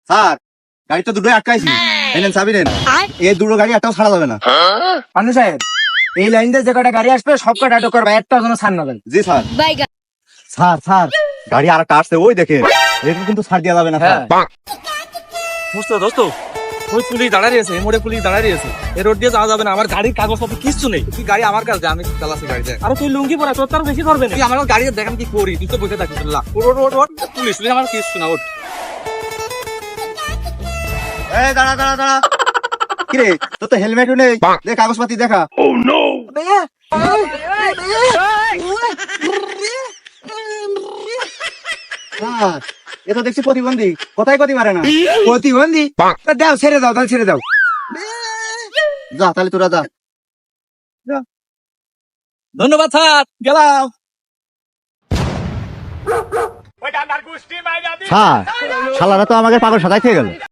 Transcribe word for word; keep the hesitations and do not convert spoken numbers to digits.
Sir গাড়ি তো দুটোই আটকাইছি, এনেন চাবি নেন। এই দুটো গাড়ি একটাও ছাড়া যাবে না। পান্ডু সাহেব, এই লাইন দিয়ে যে কটা গাড়ি আসবে সব কটা আটক করবে, একটা যেন ছাড় না দেন। জি স্যার। স্যার স্যার গাড়ি আর একটা আসছে, ওই দেখে এটা কিন্তু ছাড় দেওয়া যাবে না স্যার। দোস্ত দোস্ত ওই পুলিশ দাঁড়ায় আছে, মোড়ে পুলিশ দাঁড়ায় আছে, এই রোড দিয়ে যাওয়া যাবে না, আমার গাড়ির কাগজপত্র কিচ্ছু নেই। তুই গাড়ি আমার কাছে, আমি চালাচ্ছি গাড়িতে। আর তুই লুঙ্গি পরা, তোর তার বেশি ধরবে না। তুই আমার গাড়িতে দেখান কি করি, তুই তো বসে থাকিস। ওট ওট ওট, পুলিশ পুলিশ আমার কিচ্ছু না, ওট। এই দাঁড়া দাঁড়া দাঁড়া, কিরে তোর তো হেলমেটও নেই, দেখ কাগজপাতি দেখা। স্যার এ তো দেখছি প্রতিবন্ধী, কোথায় গতি মারে না। প্রতিবন্ধী? তা দাও, ছেড়ে দাও, তাহলে ছেড়ে দাও। যা তাহলে তোরা যা। ধন্যবাদ স্যার, গেলাম। স্যার শালারা তো আমাকে পাগল সাজাই খেয়ে গেল।